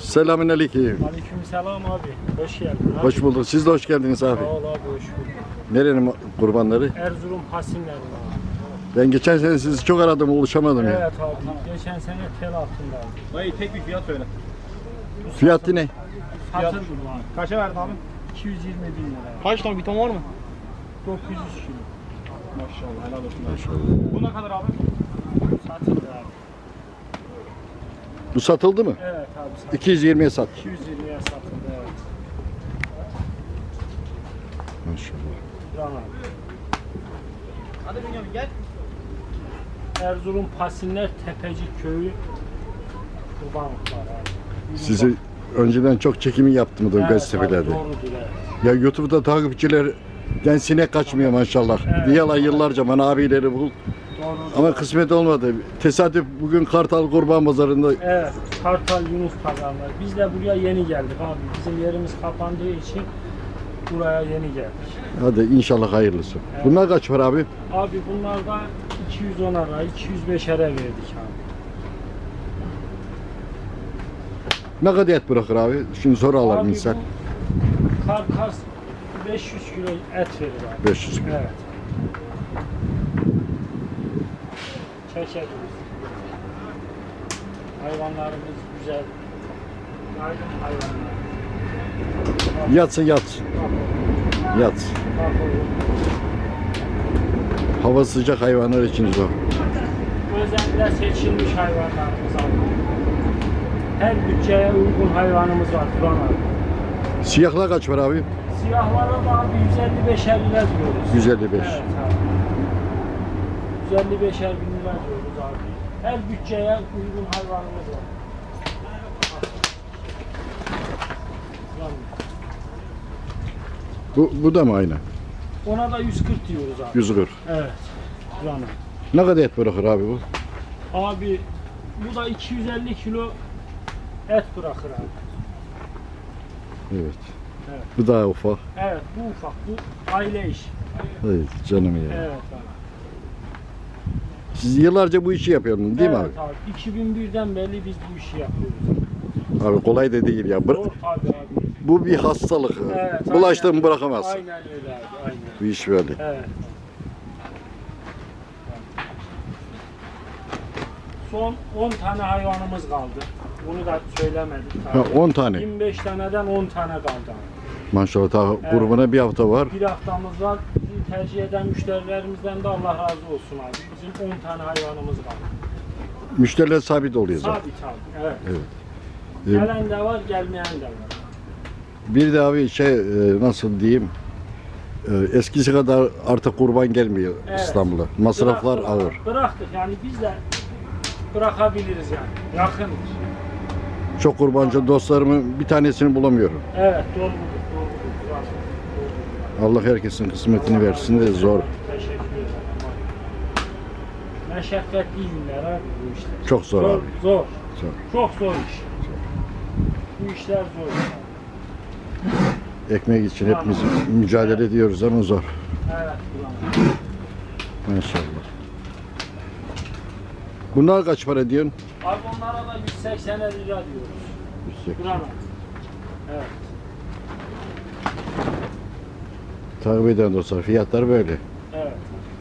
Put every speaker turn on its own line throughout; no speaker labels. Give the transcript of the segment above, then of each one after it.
Selamünaleyküm.
Aleykümselam abi. Hoş geldin abi.
Hoş bulduk. Siz de hoş geldiniz abi.
Sağ ol abi, hoş bulduk.
Nerenin kurbanları?
Erzurum Hasinler abi.
Ben geçen sene sizi çok aradım, ulaşamadım ya.
Evet abi. Geçen sene tel altındaydı.
Dayı tek bir fiyat söyle.
Fiyatı ne?
Satıldım abi.
Kaça verdin abi?
220 bin lira.
Kaç ton bir ton var mı?
900 kilo.
Maşallah helal olsun.
Maşallah.
Bu ne kadar abi?
Satıldı abi.
Bu satıldı mı?
Evet abi.
220'ye sat.
220'ye satıldı evet.
Maşallah.
Buran abi.
Hadi Bünyamin gel.
Erzurum Pasinler Tepecik Köyü kurbanlıklar abi.
Sizi önceden çok çekimi yaptım da
Evet,
gazetelerde.
abi, doğrudur evet.
Ya YouTube'da takipçilerden sinek kaçmıyor maşallah.
Evet.
Diyorlar yıllarca bana abileri bul.
Doğrudur.
Ama kısmet olmadı. Tesadüf bugün Kartal Kurban Pazarı'nda
Evet, Kartal Yunus pazarlar. Biz de buraya yeni geldik abi. Bizim yerimiz kapandığı için buraya yeni geldik.
hadi inşallah hayırlısı.
Evet.
Bunlar kaç para abi?
Abi bunlarda 210 ara, 205 ara verdik abi.
Ne kadar et bırakır abi? Şimdi soru alalım
Abi
insan.
bu karkas 500 kilo et verir abi.
500 kilo.
Evet. Çeşitliyiz. Hayvanlarımız güzel. Yaygın hayvanlar.
Yatsın yatsın. Yatsın. Hava sıcak hayvanlar için zor.
Özellikle seçilmiş hayvanlarımız abi. Her bütçeye uygun hayvanımız var Turan abi.
Siyahlar kaç para abi?
Siyahlara da abi 155'er lira diyoruz.
155.
Evet abi. 155'er bin lira diyoruz abi. Her bütçeye uygun hayvanımız var.
Bu da mı aynı?
Ona da 140 diyoruz abi.
140.
Evet. Turan abi.
Ne kadar et bırakır abi bu?
Abi bu da 250 kilo et bırakır abi.
Evet.
Evet.
Bu daha ufak.
Evet bu ufak, bu aile işi.
Evet canım ya.
Evet abi.
Siz yıllarca bu işi yapıyordunuz değil mi
Evet abi. 2001'den beri biz bu işi yapıyoruz.
abi? Abi kolay da değil ya.
Zor tabii abi.
Bu bir hastalık.
Evet,
Bulaştığını
aynen.
bırakamazsın.
Aynen öyle abi, aynen.
Bu iş böyle.
Evet. Son 10 tane hayvanımız kaldı. Bunu da söylemedik
Ha,
tabii.
10 tane.
25 taneden 10 tane kaldı abi.
Maşallah ta grubuna bir hafta var.
Bir haftamız var. Bizi tercih eden müşterilerimizden de Allah razı olsun abi. Bizim 10 tane hayvanımız kaldı.
Müşteriler sabit oluyor zaten.
Sabit abi. Evet.
Evet.
Gelen de var, gelmeyen de var.
Bir de abi nasıl diyeyim, eskisi kadar artık kurban gelmiyor
Evet.
İstanbul'a. Masraflar
Bıraktık,
ağır.
Bıraktık yani biz de bırakabiliriz yani. Yakındır.
Çok kurbancı dostlarımın bir tanesini bulamıyorum.
Evet doğrudur.
Allah herkesin kısmetini versin de zor.
Teşekkür ederim. Meşakkatli günler abi bu işler.
Çok zor abi.
Zor.
Zor.
Çok zor iş. Bu işler zor.
Ekmek için hepimiz mücadele ediyoruz ama zor.
Evet. Ulan.
Maşallah. Bunlar kaç para diyorsun?
Abi onlara da 180 lira diyoruz.
180.
Buranın. Evet.
Takip eden dostlar fiyatlar böyle.
Evet.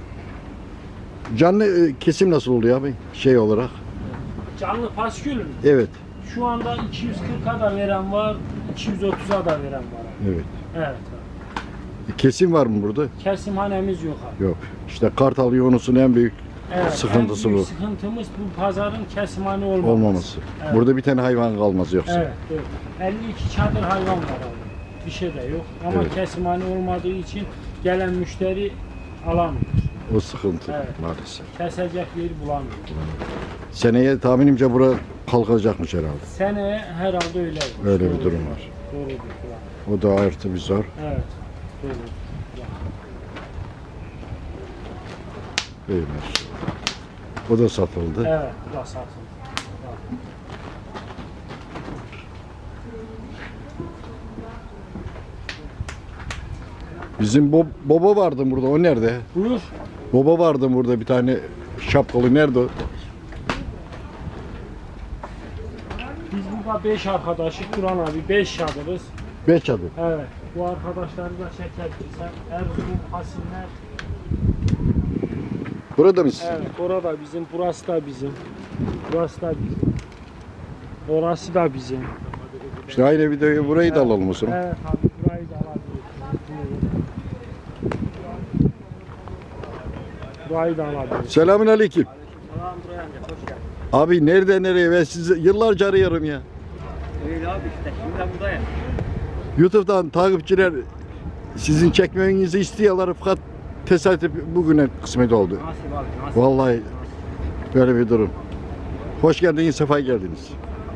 Canlı kesim nasıl oluyor abi? Şey olarak.
Canlı paskül mü?
Evet.
Şu anda 240'a da veren var, 230'a da veren var.
Evet.
Evet. Abi.
Kesim var mı burada?
Kesimhanemiz yok abi.
Yok. İşte Kartal Yunus'un en büyük
Evet,
sıkıntısı
en büyük
bu.
sıkıntımız bu pazarın kesimhane olmaması.
Olmaması.
Evet.
Burada bir tane hayvan kalmaz yoksa.
Evet, evet. 52 çadır hayvan var abi. Bir şey de yok. Ama
Evet.
kesimhane olmadığı için gelen müşteri alamıyor.
O sıkıntı
Evet.
maalesef.
Kesecek yeri bulamıyor.
Seneye tahminimce bura kalkacakmış herhalde.
Seneye herhalde öyle.
Öyle bir
Doğrudur.
durum var.
Doğrudur. Ulan.
O da artı bir zor.
Evet. Doğrudur.
Böyle. O da satıldı.
Evet, bu da satıldı.
Bizim baba vardı burada. O nerede?
Buyur.
Baba vardı burada bir tane şapkalı. Nerede o?
Biz bu burada 5 arkadaşlık Turan abi 5 çadırız.
5 çadır.
Evet. Bu arkadaşları da çekebilirsen. Erzurum, Hasinler.
Burada mı sizin?
Evet. Orada bizim, burası da bizim. Burası da bizim. Orası da bizim.
İşte aynı videoyu burayı da alalım o zaman.
Evet abi burayı da alabiliriz. Burayı da alabiliriz.
Selamünaleyküm.
Tamam buraya amca hoş geldin.
Abi nerede nereye? Ben sizi yıllarca arıyorum ya.
Öyle abi işte şimdi de buradayım.
YouTube'dan takipçiler sizin çekmenizi istiyorlar fakat tesadüf bugüne kısmet oldu.
Nasip abi nasip.
Vallahi böyle bir durum. Hoş geldiniz, sefa geldiniz.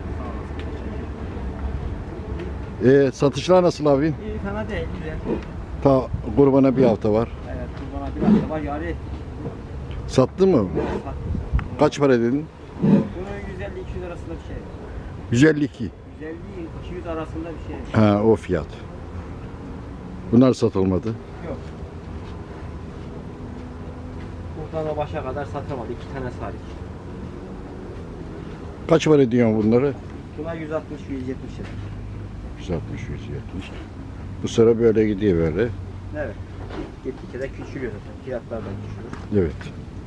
Satışlar nasıl abi?
İyi fena değil güzel.
Ta kurbana bir hafta var.
Evet kurbana bir hafta var yarı.
Sattın mı? Kaç para dedin?
Bunun 150-200 arasında bir şey.
152.
150-200 arasında bir şey.
Ha o fiyat. Bunlar satılmadı.
Yok. Buradan o başa kadar satamadı. 2 tane hariç.
Kaç para ediyorsun bunları?
Buna 160-170 lira.
160, 170. Bu sıra böyle gidiyor böyle.
Evet. Gittikçe de küçülüyor zaten. Fiyatlar da küçülür.
Evet.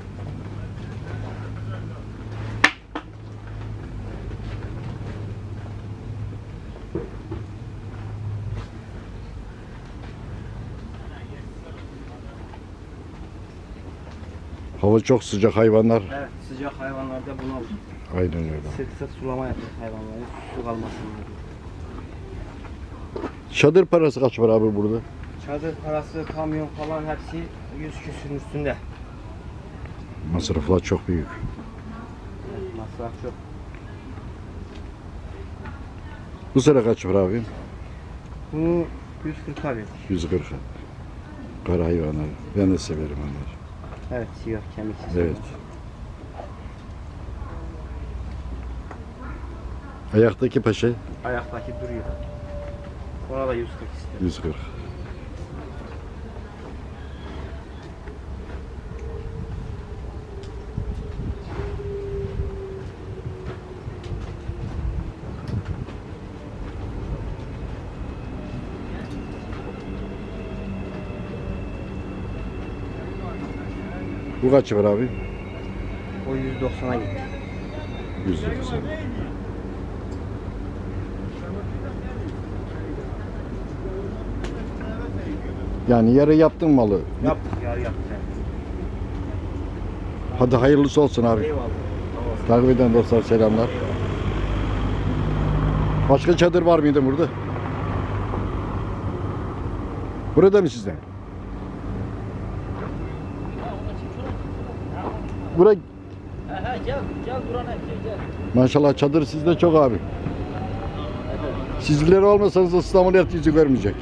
Hava çok sıcak hayvanlar.
Evet. Sıcak hayvanlarda buna
Aynen öyle.
sık sık sulama yapıyor hayvanları. Su kalmasın diye.
Çadır parası kaç para abi burada?
Çadır parası, kamyon falan hepsi 100 küsürün üstünde.
Masraflar çok büyük.
Evet, masraf çok.
Bu sıra kaç para abi?
Bunu 140 verdik.
140. Kara hayvanlar. Ben de severim onları.
Evet, siyah kemiksiz.
Evet. Ayaktaki paşa
Ayaktaki duruyor. Ona da 140 istedim.
140. Bu kaç var abi?
O 190'a gitti.
190. Yani yarı yaptın malı.
Yaptık yarı yaptık.
Hadi hayırlısı olsun abi.
Eyvallah.
Takip eden dostlar selamlar. Başka çadır var mıydı burada? Burada mı sizde? Bura
Gel Duran abi gel.
maşallah çadır sizde çok abi. Sizler olmasanız İstanbul et yüzü görmeyecek.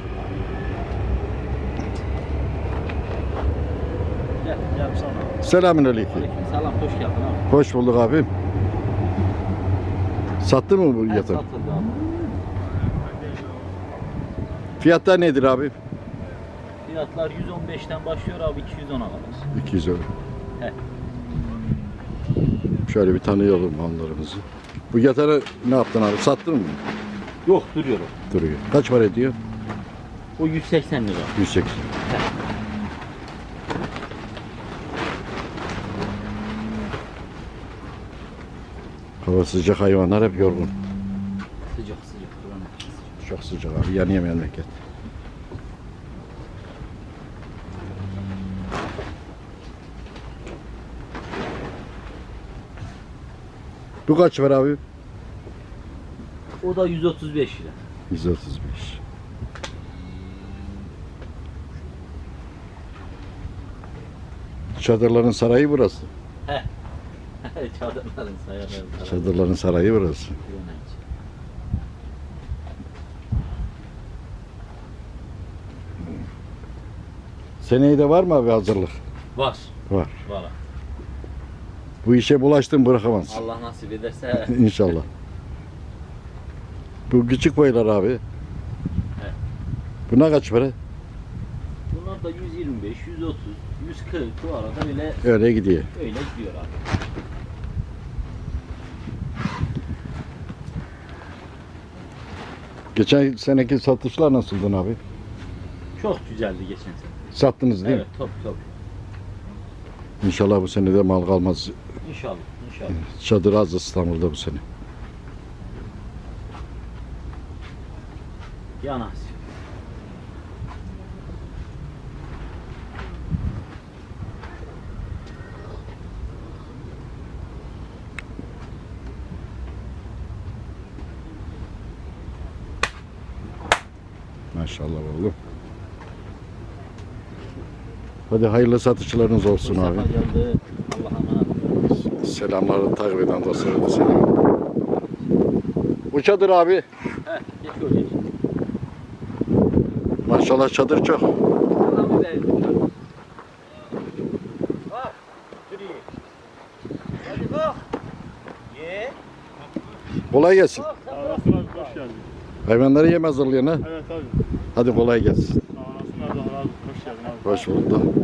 Gel sana.
Selamünaleyküm.
Selam hoş geldin abi.
Hoş bulduk abim. Sattı mı bu yatağı?
Satıldı abi.
Fiyatlar nedir abi?
Fiyatlar 115'ten başlıyor abi 210'a kadar.
200 euro.
He.
Şöyle bir tanıyalım mallarımızı. Bu yatağı ne yaptın abi? Sattın mı?
Yok duruyor o.
Duruyor. Kaç para ediyor?
O 180 lira.
180. Hava sıcak, hayvanlar hep yorgun.
Sıcak sıcak duran.
Çok sıcak abi, yanıyor memleket. Bu kaç var abi?
O da 135 lira.
135. Çadırların sarayı burası.
Çadırların sayarları.
Çadırların sarayı burası. Seneye de var mı abi hazırlık?
Var.
Var.
Var.
Bu işe bulaştın bırakamazsın.
Allah nasip ederse.
İnşallah. Bu küçük boylar abi. Buna kaç para?
Bunlar da 125, 130, 140 bu arada öyle
Öyle gidiyor.
gidiyor abi.
Geçen seneki satışlar nasıldı abi?
Çok güzeldi geçen sene.
Sattınız değil
Evet, top.
mi? İnşallah bu sene de mal kalmaz.
İnşallah.
Çadır az İstanbul'da bu sene.
Ya nasip.
Maşallah oğlum. Hadi hayırlı satışlarınız olsun abi.
Mustafa geldi. Allah'a emanet.
Selamları takip eden dostlara da selam. Bu çadır abi.
Heh, geç oraya.
Maşallah çadır çok. Kolay gelsin.
Sağ olasın abi, hoş geldin.
Hayvanları yem hazırlayan ha.
Evet abi.
Hadi kolay gelsin.
Sağ olasın abi, Allah razı olsun. Hoş geldin abi.
Hoş bulduk.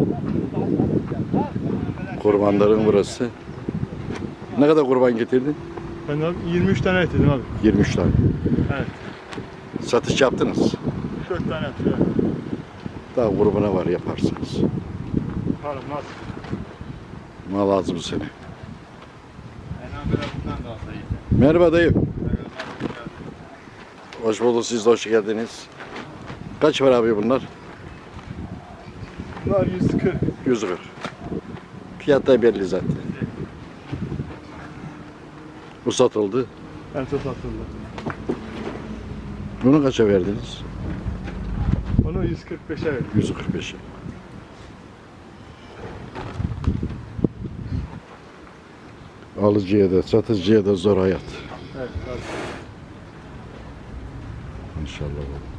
Kurbanların burası. Ne kadar kurban getirdin?
Ben abi 23 tane getirdim abi.
23 tane.
Evet.
Satış yaptınız.
4 tane atıyor.
Daha grubuna var yaparsınız.
Harım nasıl?
Mal az bu sene. Merhaba dayı. Hoş bulduk, siz de hoş geldiniz. Kaç var abi bunlar?
Bunlar 140.
140. Fiyat da belli zaten. Bu satıldı.
En çok satıldı.
Bunu kaça verdiniz?
Onu 145'e verdim.
145'e. Alıcıya da satıcıya da zor hayat.
Evet abi.
İnşallah.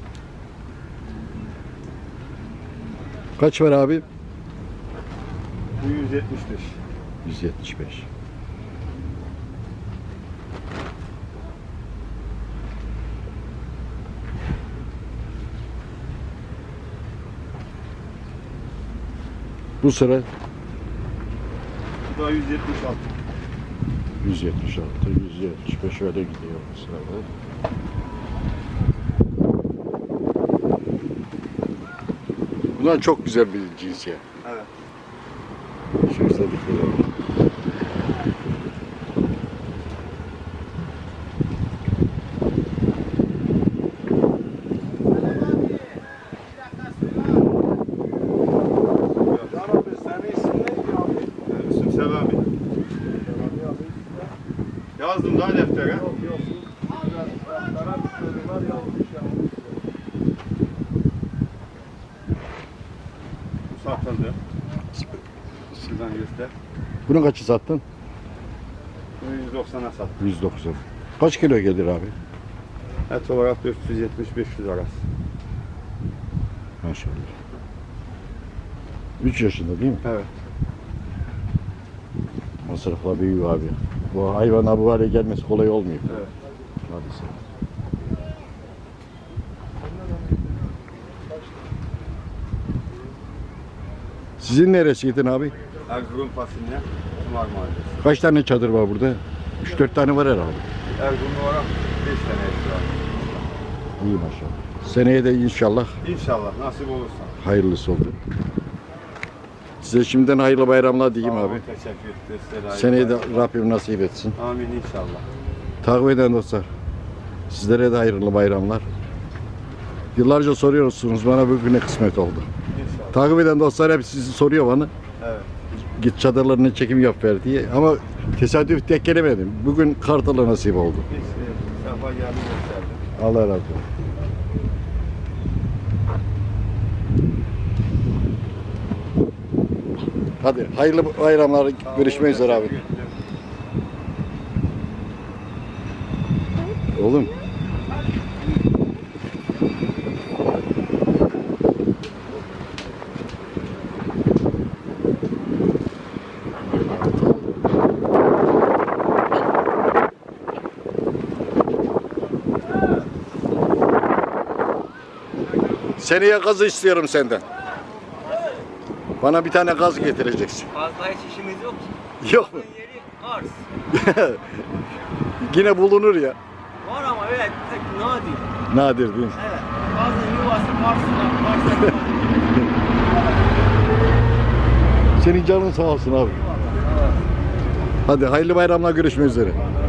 Kaç var abi?
Bu 175.
175. Bu sıra
Bu da 176.
176, 175 öyle gidiyor bu sırada. Bunlar çok güzel bir cins ya.
Evet.
Şu güzellikleri.
Abi senin isim neydi abi? İsim Selami. Yazdım daha deftere. Yok. Satıldı. Sizden göster.
Bunu kaçı sattın?
Bunu 190'a sattım.
190. Kaç kilo gelir abi?
Et olarak 470-500 arası.
Maşallah. 3 yaşında değil mi?
Evet.
Masrafla büyüyor abi. Bu hayvana bu hale gelmesi kolay olmuyor.
Evet.
Maalesef. Sizin neresiydin abi?
Erzurum fasulye, Kumar Mahallesi.
Kaç tane çadır var burada? 3-4 tane var herhalde.
Erzurum olarak 5 tane et var.
İyi maşallah. Seneye de inşallah
İnşallah nasip olursa.
hayırlısı olur. Size şimdiden hayırlı bayramlar diyeyim
Sağ olun,
abi.
teşekkür ederiz. Selam.
Seneye de Rabbim nasip etsin.
Amin inşallah.
Takip eden dostlar, sizlere de hayırlı bayramlar. Yıllarca soruyorsunuz, bana bugüne kısmet oldu.
İnşallah.
Takip eden dostlar hep sizi soruyor bana.
Evet.
Git çadırlarını çekim yap ver diye. Ama tesadüf tek gelemedim. Bugün Kartal'a nasip oldu.
Hiç sefa geldi gösterdi.
Allah razı olsun. Hadi hayırlı bayramlar. Görüşmek üzere abi.
Teşekkür ederim.
Oğlum. Seneye gazı istiyorum senden. Bana bir tane gaz getireceksin.
Fazla hiç işimiz yok ki.
Yok mu?
Yeri arz.
Yine bulunur ya.
Var ama öyle pek nadir.
Nadir değil mi?
Evet. Bazen yuvası Kars'ta.
Senin canın sağ olsun abi. Hadi hayırlı bayramlar, görüşmek üzere.